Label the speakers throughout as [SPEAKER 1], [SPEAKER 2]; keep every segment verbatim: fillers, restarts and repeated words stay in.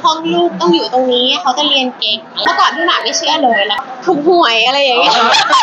[SPEAKER 1] ห้องลูกต้องอยู่ตรงนี้เขาจะเรียนเก่งเมื่อก่อนพี่หมากไม่เชื่อเลยแล้วถูกหวยอะไรอย่างเงี้ย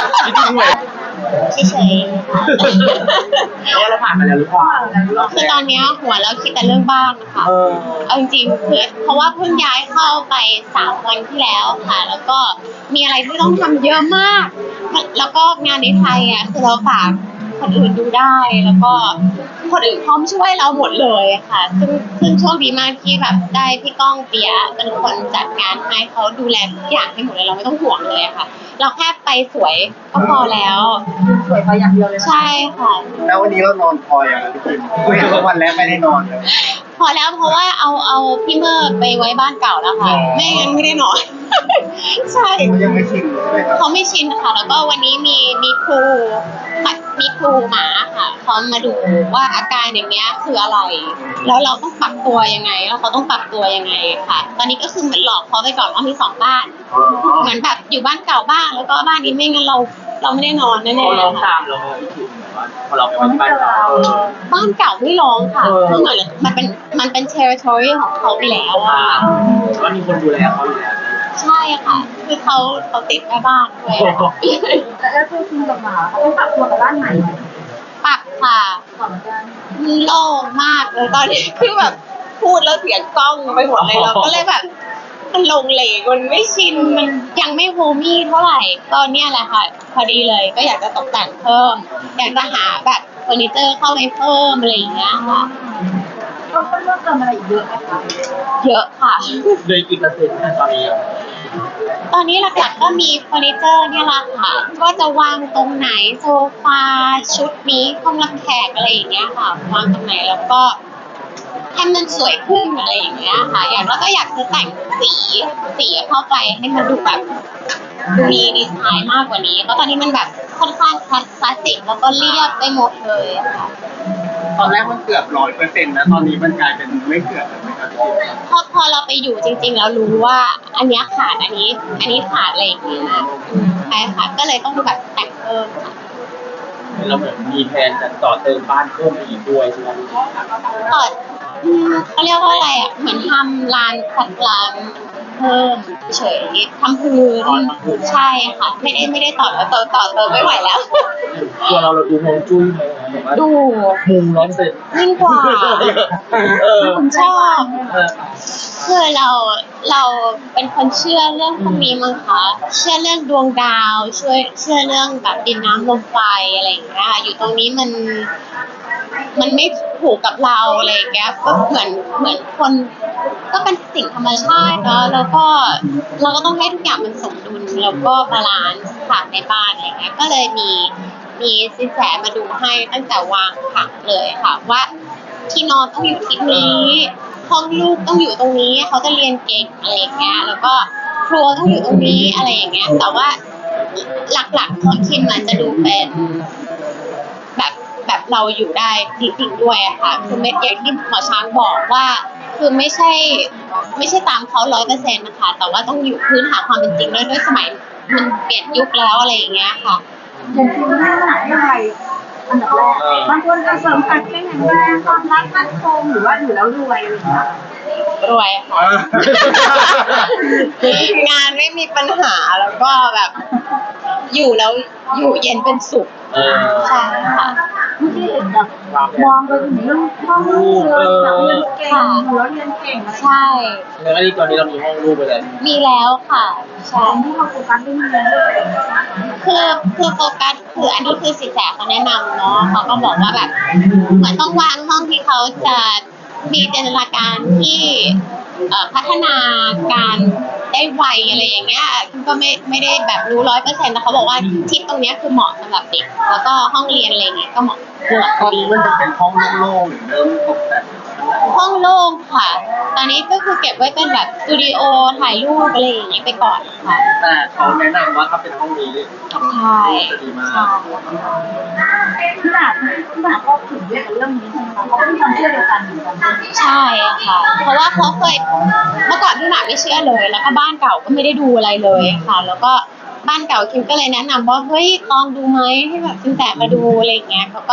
[SPEAKER 1] เฉยๆ
[SPEAKER 2] เนี่ยเราผ่านมาแล้วหรือเปล่า
[SPEAKER 1] คือตอนนี้หัวแล้วคิดแต่เรื่องบ้านค่ะเอาจริงๆคือเพราะว่าเพิ่งย้ายเข้าไปสามวันที่แล้วค่ะแล้วก็มีอะไรที่ต้องทำเยอะมากแล้วก็งานในไทยอ่ะคือเราฝากคนอื่นดูได้แล้วก็คนอื่นพร้อมช่วยเราหมดเลยค่ะซึ่งซึ่งโชคดีมากที่แบบได้พี่ก้องเปียเป็นคนจัดงานให้เขาดูแลทุกอย่างให้หมดเลยเราไม่ต้องห่วงเลยค่ะเราแค่ไปสวยก็พอแล้ว
[SPEAKER 3] สวยไปอย่างเดียวเลย
[SPEAKER 1] ใช่ค่ะ
[SPEAKER 2] แล้ววันนี้เรานอนพออย่างพี่คิมคุยกันวันแรกไม่ได้นอนเลย
[SPEAKER 1] พอแล้วเพราะว่าเอาเอาพี่เมอร์ไปไว้บ้านเก่าแล้วค่ะไม่งั้นไม่ได้นอนใช่
[SPEAKER 2] เขายังไม่ชินเลย
[SPEAKER 1] เขาไม่ชินค่ะแล้วก็วันนี้มีมีครูมีครูหมาค่ะเขามาดูว่าอาการอย่างเงี้ยคืออะไรแล้วเราต้องปรับตัวยังไงแล้วเขาต้องปรับตัวยังไงค่ะตอนนี้ก็คือเหมือนหลอกเขาไปก่อนว่ามีสองบ้านเหมือนแบบอยู่บ้านเก่าบ้างแล้วก็บ้านนี้ไม่งั้นเราเราไม่ได้นอนแน่ๆ
[SPEAKER 2] เขาร้องตามเราพอเราไปวันบ้านเก่า
[SPEAKER 1] บ้านเก่าไม่ร้องค่ะเพราะเหมือนมันเป็นมันเป็น territory ของเขาไปแล้วอะ
[SPEAKER 2] ว่ามีคนดูแลเขาอยู่แล้ว
[SPEAKER 1] ใช่ค่ะคือเขาเขาติดแม่บ้านด้วย
[SPEAKER 3] แล้วตัวคุณกับหมาเขาต้องปรับตัวกับบ้านใหม่
[SPEAKER 1] ปรับค่ะโล่งมากเลยตอนนี้คือแบบพูดแล้วเสียงกล้องไปหมดเลยเราก็เลยแบบมันลงเหลวมันไม่ชินมันยังไม่โฮมี่เท่าไหร่ตอนนี้แหละค่ะพอดีเลยก็อยากจะตกแต่งเพิ่มอยากจะหาแบบเฟอร์นิเจอร์เข้าไปเพิ่มอะไรอย่างเงี้ยค่ะ
[SPEAKER 3] ต้องเลือกเติมอะไรเยอะไหมคะ
[SPEAKER 1] เยอะค่ะ
[SPEAKER 2] เลยกี่เปอร์เซ็นต์ตอนนี้
[SPEAKER 1] ตอนนี้หลักๆก็มีเฟอร์นิเจอร์เนี่ยแหละค่ะว่าจะวางตรงไหนโซฟาชุดนี้ห้องรับแขกอะไรอย่างเงี้ยค่ะวางตรงไหนแล้วก็ให้มันสวยขึ้นอะไรอย่างเงี้ยค่ะอย่างแล้วก็อยากจะแต่งสีสีเข้าไปให้มันดูแบบมีดีไซน์มากกว่านี้เพราะตอนนี้มันแบบค่อนข้างคลาสสิกแล้วก็เรียบไปหมดเลยค่ะ
[SPEAKER 2] ตอนแรกมันเกือบร้อยเปอร์เซ็นต์นะตอนนี้มันกลายเป็นไม่เกือบแล้วไหมครับ
[SPEAKER 1] พอพอเราไปอยู่จริงๆแล้วรู้ว่าอันนี้ขาดอันนี้อันนี้ขาดอะไรอย่างเงี้ยใช่ค่ะก็เลยต้องแบบแต่งเพิ่มค่ะ
[SPEAKER 2] เราเหมือนมีแผนจะต่อเติมบ้านเพิ่มอีกด้วยใช่ไหม
[SPEAKER 1] ต่อเขาเรียกว่าอะไรอ่ะเหมือนทำลานขัดลานเพิ่มเฉยทำพื้นใช่ค่ะไม่ได้ไม่ได้ต่อแล้วต่อต่อเติมไม่ไหวแล้ว
[SPEAKER 2] ตัวเราเราดูฮวงจุ้ย
[SPEAKER 1] ดู
[SPEAKER 2] มุมร้อนเสร็จ
[SPEAKER 1] ยิ่งกว่าผมชอบคือเราเราเป็นคนเชื่อเรื่องพวกนี้มั้งคะเชื่อเรื่องดวงดาวช่วยเชื่อเรื่องแบบดินน้ำลมไฟอะไรอย่างเงี้ยอยู่ตรงนี้มันมันไม่ถูกกับเราอะไรอย่างเงี้ยก็เหมือนเหมือนคนก็เป็นสิ่งธรรมชาติเนาะแล้วก็เราก็ต้องให้ทุกอย่างมันสมดุลแล้วก็บาลานซ์ค่ะในบ้านอะไรเงี้ยก็เลยมีมีสินแสมาดูให้ตั้งแต่วางผังเลยค่ะว่าที่นอนต้องอยู่ที่นี้ห้องลูกต้องอยู่ตรงนี้เขาจะเรียนเก่งอะไรอย่างเงี้ยแล้วก็ครัวต้องอยู่ตรงนี้อะไรอย่างเงี้ยแต่ว่าหลักๆของคิมมันจะดูเป็นแบบแบบเราอยู่ได้จริงๆด้วยอะค่ะคือไม่อย่างที่หมอช้างบอกว่าคือไม่ใช่ไม่ใช่ตามเขาร้อยเปอร์เซ็นต์นะคะแต่ว่าต้องอยู่พื้นฐานความเป็นจริงด้วยด้วยสมัยมันเปลี่ยนยุคแล้วอะไรอย่างเงี้ยค่ะ
[SPEAKER 3] อย่างที่ไม่ได้หลายอะไรอันดับแรกบางคนจะเสริมการแข็งแรงความรักมั่นคงหรือว่าอยู่แล้วรวยอะไรอย่างเงี้ย
[SPEAKER 1] รวยค่ะงานไม่มีปัญหาแล้วก็แบบอยู่แล้วอยู่เย็นเป็นสุขใช่ค่ะ
[SPEAKER 3] เมื่อกี้เห็นแบบมองไปถึงเรื่องห้องลูกเลยแบบเรียนเก่งแล้วเรียนเก่ง
[SPEAKER 1] ใช่
[SPEAKER 2] แล้วอันนี้ตอนนี้เรามีห้องลูกไปเลย
[SPEAKER 1] มีแล้วค่ะ
[SPEAKER 3] ใช่ที่เราโฟกัสเรื่องเรียนด้วย
[SPEAKER 1] คือคือโฟกัสคืออันนี้คือสินแสเขาแนะนำเนาะเขาก็บอกว่าแบบเหมือนต้องวางห้องที่เขาจะมีจินตนาการที่พัฒนาการได้ไวอะไรอย่างเงี้ยก็ไม่ไม่ได้แบบรู้ร้อยเปอร์เซ็นต์แต่เขาบอกว่าทิศตรงนี้คือเหมาะสำหรับเด็กแล้วก็ห้องเรียนอะไรเงี้ยก็เหมาะ
[SPEAKER 2] ตอนนี้มันจะเป็นห้องโล่งๆหรือเริ่มตกแต่ง
[SPEAKER 1] ห้องโล่งค่ะตอนนี้ก็คือเก็บไว้เป็นแบบสตูดิโอถ่ายรูปอะไรอย่างเงี้ยไปก่อนค่ะ
[SPEAKER 2] แต่เขาแนะนำว่าถ้าเป็นห้องนี้
[SPEAKER 1] ใช่
[SPEAKER 2] จะดีมาก
[SPEAKER 3] ที่หนาที่หนาก็ถึงเรื่องเรื่องนี้ใช่ไหมคะเขาเป็นความเชื่อเดียวกันเหมือนกัน
[SPEAKER 1] ใช่ค่ะเพราะว่าเขาเคยเมื่อก่อนพี่หมากไม่เชื่อเลยแล้วก็บ้านเก่าก็ไม่ได้ดูอะไรเลยค่ะแล้วก็บ้านเก่าคิมก็เลยแนะนำว่าเฮ้ยลองดูไหมให้แบบสินแสมาดูอะไรอย่างเงี้ยเขาก็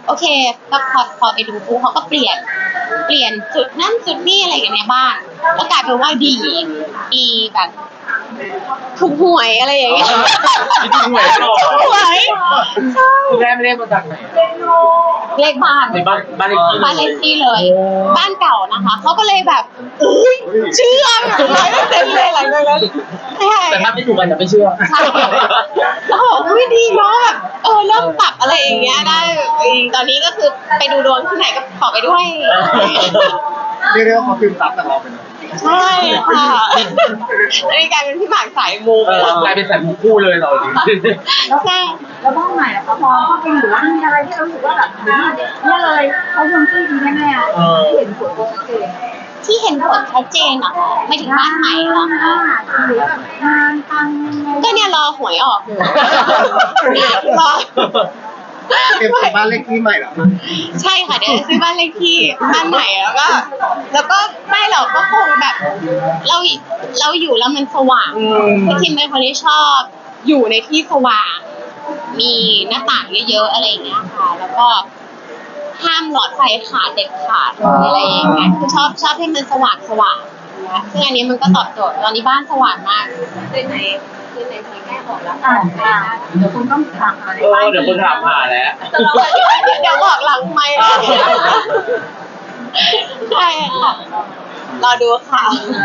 [SPEAKER 1] โอเคก็พอพอไปดูปุ๊บเขาก็เปลี่ยนเปลี่ยนจุดนั่นจุดนี่อะไรกันในบ้านแล้วกลายเป็นว่าดีดีแบบถูกหวยอะไรอย่างเงี้ย
[SPEAKER 4] มีถูกหวยหรอ
[SPEAKER 1] ถูกหวยใช่
[SPEAKER 4] คุณแม่ไม่ได้มาจากไหน
[SPEAKER 1] เลขบ้าน
[SPEAKER 4] ในบ้านบ้านเลขที่
[SPEAKER 1] บ้านเลขที่เลย บ้านเก่านะคะเขาก็เลยแบบอุ้ยเชื่อแบบร้อยเปอร์เซ็นต์เลยหลังจากนั้นใช่
[SPEAKER 4] แต่ถ้าไม่ถูกกันจะไม่เชื่อ
[SPEAKER 1] ใช่แล้วบอกอุ้ยดีเนาะแบบเออเริ่มปรับอะไรอย่างเงี้ยได้เออตอนนี้ก็คือไปดูดวงที่ไหนก็ขอไปด้วย
[SPEAKER 2] เรียกได้ว่าเขาซึมซับจากเราไปเลย
[SPEAKER 1] ใช่ค่ะอันนี้กลายเป็นพี่หมากสายมู
[SPEAKER 4] เออกลายเป็นสายมูคู่เลยเราจริง
[SPEAKER 3] แล้ว
[SPEAKER 1] ใช่
[SPEAKER 3] แล้วบ้านใหม่ล่ะคะพอเข้าไปอยู่แล้วมีอะไรที่เรารู้สึกว่าแบบเนี่ยเลยเขาคงชื่อดีแน่ๆที่เห็นผลชัดเจน
[SPEAKER 1] ที่เห็นผลชัดเจนเหรอคะไม่ถึงบ้านใหม่เหรอคะ
[SPEAKER 3] หรือแบบงานตัง
[SPEAKER 1] ก็เนี่ยรอหวยออกอยู่รอ
[SPEAKER 2] เตรียมซื้อบ้านเลขที่ใหม่เหรอ
[SPEAKER 1] ใช่ค่ะเดี๋ยวจะซื้อบ้านเลขที่บ้านใหม่แล้วก็ แล้วก็ไม่หรอกก็คงแบบ เราเราอยู่แล้วมันสว่างคือทิมเป็นคนที่ชอบอยู่ในที่สว่าง มีหน้าต่างเยอะๆอะไรอย่างเงี้ยค่ะ แล้วก็ห้ามหลอดไฟขาดเด็ดขาดอะไรอย่างเงี้ยคือชอบชอบให้มันสว่างสว่างนะซึ่งอันนี้มันก็ตอบโจทย์ตอนนี้บ้านสว่างมากคืนไหนคืนไหนที่แม่บอกแล้ว
[SPEAKER 3] อ่าอ่าเดี๋ยวคุณต้องถามอะไร
[SPEAKER 4] เออเดี๋ยวคนถามหาแล้ว
[SPEAKER 1] เดี๋ยวบอกหลังไมค์เลยใช่ค่ะรอดูค่ะ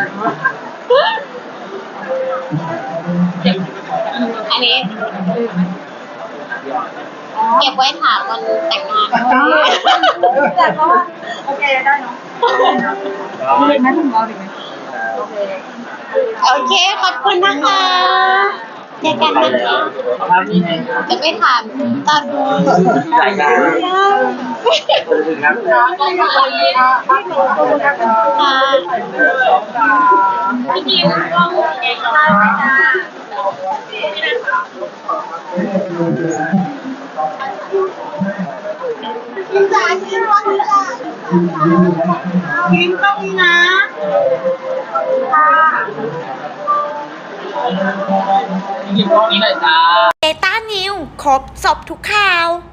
[SPEAKER 1] อันนี้ เก็บไว้ถามวันแต่งงาน
[SPEAKER 3] แต่ก็โอเคได้เนาะดีไหมคุณหมอดีไหมโอเค
[SPEAKER 1] โอเคขอบคุณนะคะเจอกันนะคะ
[SPEAKER 4] ภาพนี้ไง
[SPEAKER 1] จะไปถามตอนดู
[SPEAKER 4] รายการถึงแล้ว
[SPEAKER 1] ค่ะพี่ดิวกล้องเองค่ะพี่จ๋าชื่อว่าพี่จ๋าพิมพ์ต้องมีนะค่ะ
[SPEAKER 4] ยิงกล้องนี้หน่อยจ้า
[SPEAKER 5] เบต้านิวครบจบทุกข่าว